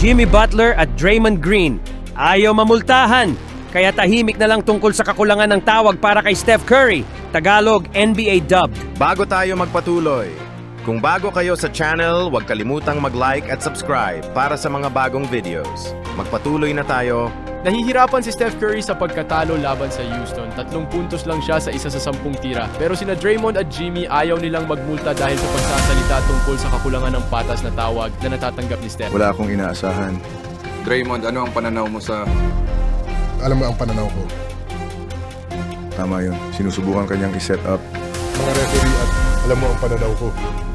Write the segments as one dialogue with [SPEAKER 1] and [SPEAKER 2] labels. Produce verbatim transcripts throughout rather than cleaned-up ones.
[SPEAKER 1] Jimmy Butler at Draymond Green. Ayaw mamultahan, kaya tahimik na lang tungkol sa kakulangan ng tawag para kay Steph Curry. Tagalog N B A dubbed.
[SPEAKER 2] Bago tayo magpatuloy, kung bago kayo sa channel, huwag kalimutang mag-like at subscribe para sa mga bagong videos. Magpatuloy na tayo.
[SPEAKER 3] Nahihirapan si Steph Curry sa pagkatalo laban sa Houston. Tatlong puntos lang siya sa isa sa sampung tira. Pero sina Draymond at Jimmy ayaw nilang magmulta dahil sa pagsasalita tungkol sa kakulangan ng patas na tawag na natatanggap ni Steph.
[SPEAKER 4] Wala akong inaasahan.
[SPEAKER 5] Draymond, ano ang pananaw mo sa...
[SPEAKER 6] Alam mo ang pananaw ko.
[SPEAKER 4] Tama yun. Sinusubukan kanyang i-set up.
[SPEAKER 6] Mga referee at alam mo ang pananaw ko.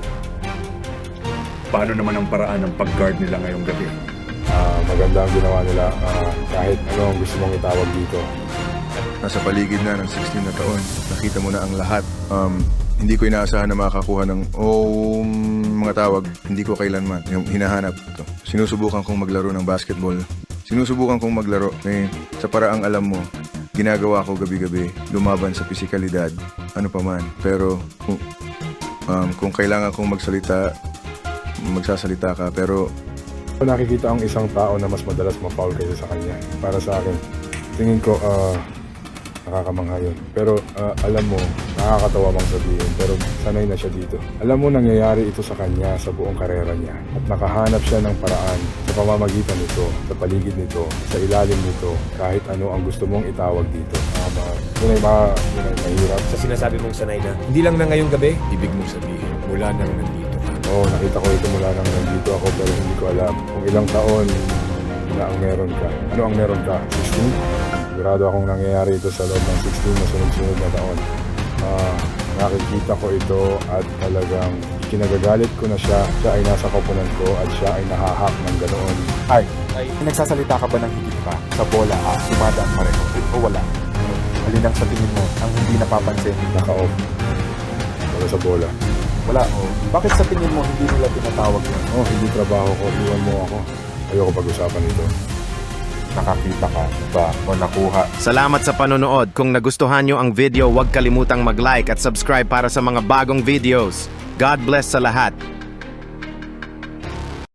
[SPEAKER 7] Paano naman ang paraan ng pag-guard nila ngayong gabi?
[SPEAKER 6] Ah, maganda ang ginawa nila ah, kahit ano ang gusto mong itawag dito.
[SPEAKER 4] Nasa paligid na ng sixteen na taon. Nakita mo na ang lahat. Um, hindi ko inaasahan na makakakuha ng oh, mga tawag. Hindi ko kailanman. Yung hinahanap ito. Sinusubukan kong maglaro ng basketball. Sinusubukan kong maglaro. Eh, sa paraang alam mo, ginagawa ko gabi-gabi. Lumaban sa pisikalidad. Ano pa man. Pero kung, um, kung kailangan kong magsalita, magsasalita ka. Pero
[SPEAKER 6] Nakikita ang isang tao na mas madalas ma-foul kaysa sa kanya. Para sa akin, tingin ko ah, nakakamangha yun. Pero ah, alam mo, nakakatawa mang sabihin, pero sanay na siya dito. Alam mo, nangyayari ito sa kanya sa buong karera niya. At nakahanap siya ng paraan sa pamamagitan nito, sa paligid nito, sa ilalim nito, kahit ano ang gusto mong itawag dito. Tama. Yun ay, ma, yun ay mahirap.
[SPEAKER 8] Sa sinasabi mong sanay na, hindi lang na ngayong gabi, ibig mong sabihin, mula nang nandito ka.
[SPEAKER 6] Oo, nakita ko ito mula nang nandito ako pero hindi ko alam kung ilang taon na ang meron ka. Ano ang meron ka? sixteen? Sigurado akong nangyayari ito sa loob ng sixteen na sunod-sunod na taon. Ah, nakikita ko ito at talagang kinagagalit ko na siya. Siya ay nasa koponan ko at siya ay nahahak ng ganoon.
[SPEAKER 9] Ay, ay, nagsasalita ka ba ng higit pa? Sa bola, ah, dumadaan pareho o wala? Alin ang sa tingin mo ang hindi napapansin?
[SPEAKER 6] Naka-off. Wala sa bola.
[SPEAKER 9] Wala, o. Bakit sa tingin mo hindi nila tinatawag yun?
[SPEAKER 6] Oh, hindi trabaho ko. Iwan mo ako. Ayoko pag-usapan ito.
[SPEAKER 9] Nakakita ka ba o nakuha?
[SPEAKER 2] Salamat sa panonood. Kung nagustuhan nyo ang video, huwag kalimutang mag-like at subscribe para sa mga bagong videos. God bless sa lahat.